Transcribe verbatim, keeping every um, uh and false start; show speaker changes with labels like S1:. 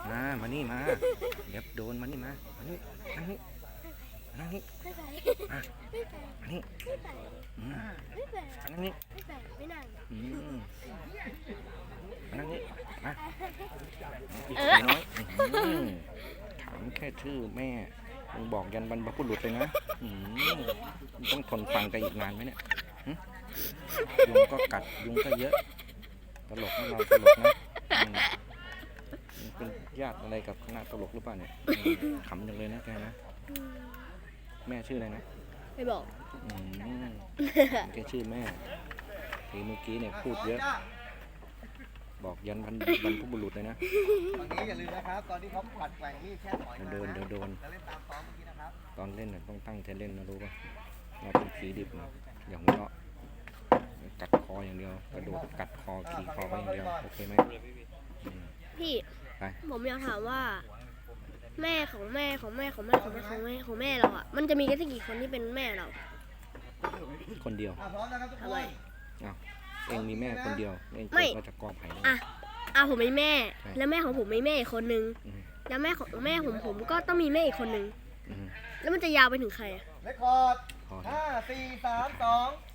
S1: มามานี่มาเดี๋ยวโดนมานี่มามานี่มานี่มานี่
S2: ไม่ไป
S1: มา
S2: ไม่ไป
S1: มานี่
S2: ไม่ไป
S1: อืม
S2: ไม่ไป
S1: มานั่งนี่
S2: ไม่ไปไม่นั่ง
S1: อืมมานั่งนี่มาอีก
S2: เออ
S1: น้อยอืมถามแค่ชื่อแม่มึงบอกยันบรรพบุรุษเลยนะอืมมึงต้องทนฟังกันอีกนานไหมเนี่ยหึยุงก็กัดยุงก็เยอะตลกนะเราตลกนะอืมมึงเป็นญาติอะไรกับคณะตลกหรือเปล่าเนี่ยอืมขำจังเลยนะแกนะแม่ชื่ออะไรนะ
S2: ไม่บอก
S1: อืมแกชื่อแม่ทีเมื่อกี้เนี่ยพูดเยอะ บอกยันบรรบรรพบุรุษเลยนะ
S3: ตอนนี้อย่าลืมนะครับ ตอนที่เขาผัดแกว่งมีดแค่ถอยมา
S1: เดี๋ยวโดนเดี๋ยวโดน
S3: จะเล่นตามซ้อมเมื่อกี้นะครับ
S1: ตอนเล่นน่ะต้องตั้งใจเล่นนะรู้ป่ะเราเป็นผีดิบนะอย่าหัวเราะกัดคออย่างเดียวกระโดดกัดคอขี่คอไปอย่างเดียวโอเคไหมอืม
S2: พี่
S1: ไป
S2: ผมอยากถามว่า แม่ของแม่ของแม่ของแม่ของแม่ของแม่ของแม่เราอ่ะมันจะมีกันสักกี่คนที่เป็นแม่เรา
S1: คนเดียว
S3: อ่ะพร้อมนะครับทุกค
S2: ทำไม
S3: น
S1: อ้าวเองมีแม่คนเดียวเอง
S2: ไม่
S1: เกิดมาจากกอไผ่นะ
S2: อ่ะอ่ะผมมีแม่
S1: ใช่
S2: แล้วแม่ของผมมีแม่อีกคนนึง
S1: อืม
S2: แล้วแม่ของแม่ผมผมก็ต้องมีแม่อีกคนนึง
S1: อืม
S2: แล้วมันจะยาวไปถึงใครอ่ะ
S3: เรคคอร์ด
S1: พอแล้ว
S3: ห้าสี่สามสอง